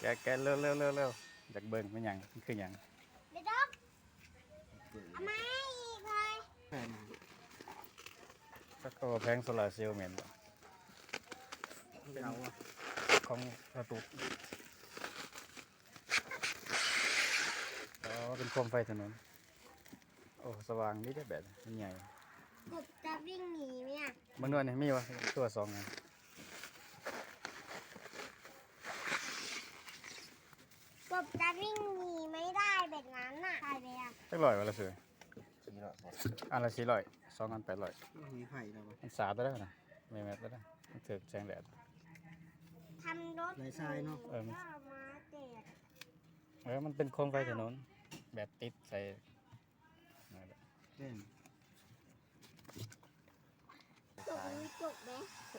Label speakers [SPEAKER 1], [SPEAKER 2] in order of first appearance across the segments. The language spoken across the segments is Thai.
[SPEAKER 1] แกะเร็วจากเบิ่งเป็นหยังมันคือหยัง
[SPEAKER 2] เด็ดดอกเอาไม้อีกเลย
[SPEAKER 3] แผ่น
[SPEAKER 1] ก็แพงโซลาร์เซลล์เหม็นบ่
[SPEAKER 3] เราอ่ะ
[SPEAKER 1] ของกระตุกอ๋อเป็นโคมไฟถนนโอ้สว่างนี่ได้แบบมันใหญ่
[SPEAKER 2] กบจะวิ่งหนีไหมอ่ะ
[SPEAKER 1] บางนวลนี่มีวะตัวสองไง
[SPEAKER 2] กบจะวิ่งหนีไม่ได้แบบนั้นน่ะใช่ไหมอ่ะ
[SPEAKER 1] สักร้อยวะละเสือ
[SPEAKER 3] สีละสอง
[SPEAKER 1] อันละ400 2 อัน800
[SPEAKER 3] มีไผ่เราอ่ะ
[SPEAKER 1] มันสาดได้นะไม่แมทได้มันเถือกแสงแดด
[SPEAKER 2] ทำรถ
[SPEAKER 3] ลายทรายเนาะ
[SPEAKER 1] เออมัน
[SPEAKER 2] ก็เอามาแจก
[SPEAKER 1] มันเป็นโคมไฟถนนแบบติดใส่นั่นแหละ
[SPEAKER 3] เล่น
[SPEAKER 2] จบมีจบไหม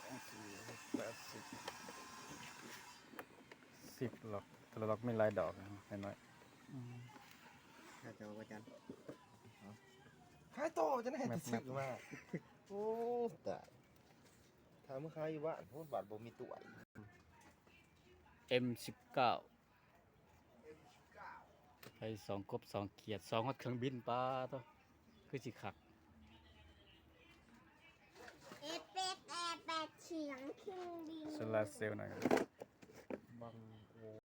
[SPEAKER 1] 10 หลอกแต่ละหลอกมีหลายดอกน้อย
[SPEAKER 3] ถ้าจะเอาประจัน
[SPEAKER 4] ขายโตจะได้ติดสึกมาโอ้ตายถามเมื่อขายอยู่บ้านพูดบัตรบ่มีตัว
[SPEAKER 1] ๆ M19 ไป2 กบ 2 เขียด 2 ฮอดเครื่องบินปลาตัวคือสิคัก
[SPEAKER 2] เอฟเฟกต์แอร์แปดเฉียงเครื่องบิน
[SPEAKER 1] โซลาร์เซลล์หน่อย
[SPEAKER 4] บังโอ